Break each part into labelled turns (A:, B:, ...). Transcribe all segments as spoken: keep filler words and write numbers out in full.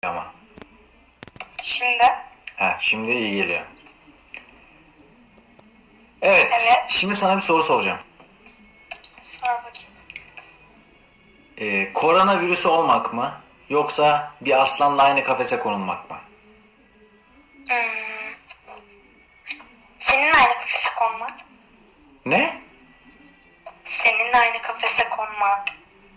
A: ama.
B: Şimdi.
A: Ha, şimdi iyi geliyor. Evet,
B: Evet.
A: şimdi sana bir soru soracağım.
B: Sor bakayım.
A: Ee, koronavirüsü olmak mı yoksa bir aslanla aynı kafese konulmak mı?
B: Hmm. Senin aynı kafese konmak.
A: Ne?
B: Senin aynı kafese konmak.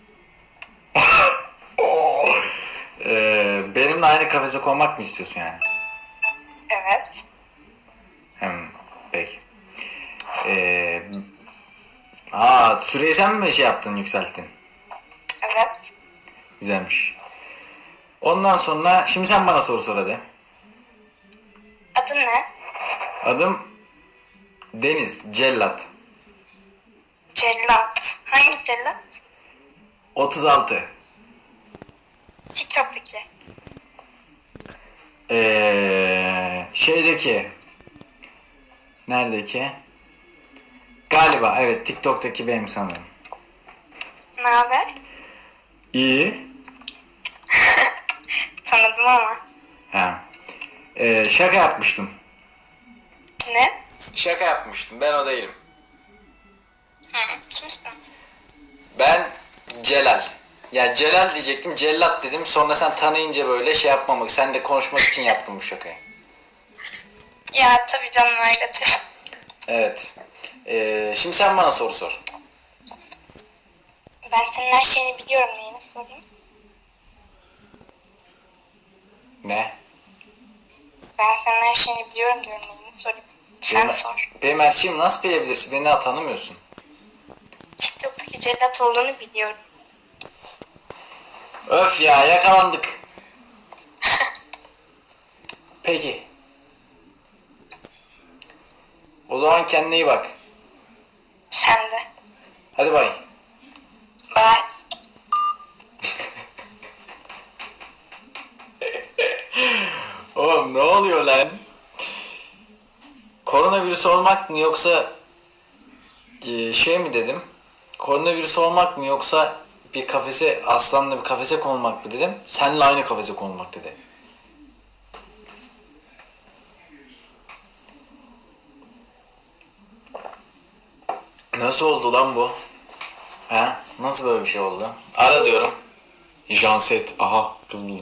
A: Ee, benimle aynı kafese konmak mı istiyorsun yani?
B: Evet.
A: Hmm, peki. Ee, aa, süreyi sen mi şey yaptın, yükselttin?
B: Evet.
A: Güzelmiş. Ondan sonra şimdi sen bana soru sor hadi.
B: Adın ne?
A: Adım Deniz Cellat.
B: Cellat. Hangi cellat?
A: otuz altı.
B: TikTok'taki.
A: Ee, şeydeki neredeki? Galiba evet, TikTok'taki benim sanırım.
B: Ne haber?
A: İyi.
B: Tanıdım ama.
A: Ha. Ee, şaka yapmıştım.
B: Ne?
A: Şaka yapmıştım. Ben o değilim.
B: Hı. Kimsin?
A: Ben Celal. Ya Celal diyecektim. Cellat dedim. Sonra sen tanıyınca böyle şey yapmamak, sen de konuşmak için yaptım bu şakayı.
B: Ya tabii canım öyledir.
A: Evet. Ee, şimdi sen bana soru sor.
B: Ben senin her şeyini biliyorum, neyini sorayım?
A: Ne?
B: Ben senin her şeyini biliyorum diyorum, neyini sorayım? Sen
A: Benim,
B: sor.
A: benim her şeyimi nasıl bilebilirsin? Beni daha tanımıyorsun.
B: TikTok'taki cellat olduğunu biliyorum.
A: Öf ya, yakalandık. Peki. O zaman kendine iyi bak.
B: Sen de.
A: Hadi bay.
B: Bye.
A: Oğlum ne oluyor lan? Koronavirüs olmak mı yoksa e, şey mi dedim? Koronavirüs olmak mı yoksa bir kafese, aslanla bir kafese konulmak mı dedim? Seninle aynı kafese konulmak dedi. Nasıl oldu lan bu? Ha? Nasıl böyle bir şey oldu? Ara diyorum. Janset. Aha, kız buldum.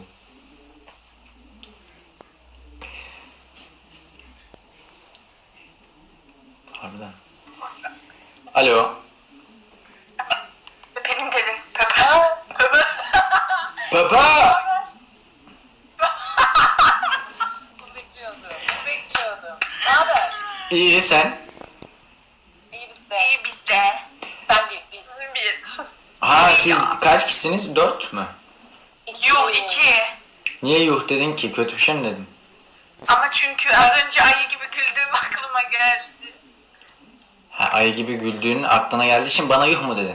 A: Harbiden. Alo.
B: Benim dedim. Papa.
A: Papa!
C: Bunu bekliyordum. Bunu bekliyordum. Ne haber?
A: İyi, sen?
C: İyi bizde.
B: İyi bizde.
C: Sen değil biz.
B: Biz.
A: Ha, siz kaç kişisiniz? Dört mü?
B: Yok iki.
A: Niye yuh dedin ki? Kötü bir şey mi dedim?
B: Ama çünkü az önce ayı gibi güldüğüm aklıma geldi.
A: Ha, ayı gibi güldüğün aklına geldiği için bana yuh mu dedin?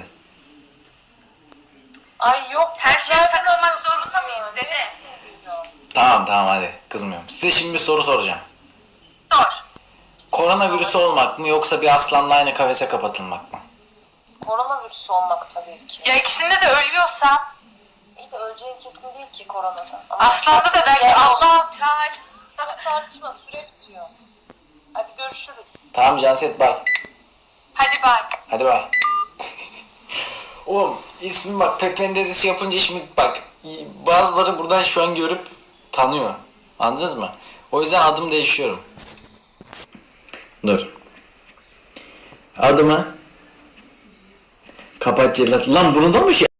C: Ay yok.
B: Her şeye
C: zaten
B: takılmak
C: anladım.
B: zorunda mıyız dede?
A: Tamam tamam, hadi kızmıyorum. Size şimdi bir soru soracağım.
B: Sor.
A: Koronavirüsü olmak mı yoksa bir aslanla aynı kafese kapatılmak mı?
C: Koronavirüs olmak tabii ki.
B: Ya ikisinde de ölüyorsam,
C: İyi de öleceğin kesin değil ki koronadan. Ama
B: aslanda da belki Allah Teala.
C: tartışma süre bitiyor. Hadi görüşürüz.
A: Tamam Canset, bay.
B: Hadi bay.
A: Hadi bay. Oğlum ismi bak, Pepe'nin dedesi yapınca şimdi bak, bazıları buradan şu an görüp tanıyor. Anladınız mı? O yüzden adım değişiyorum. Dur. Adımı kapat cellat. Lan bunu da mı şey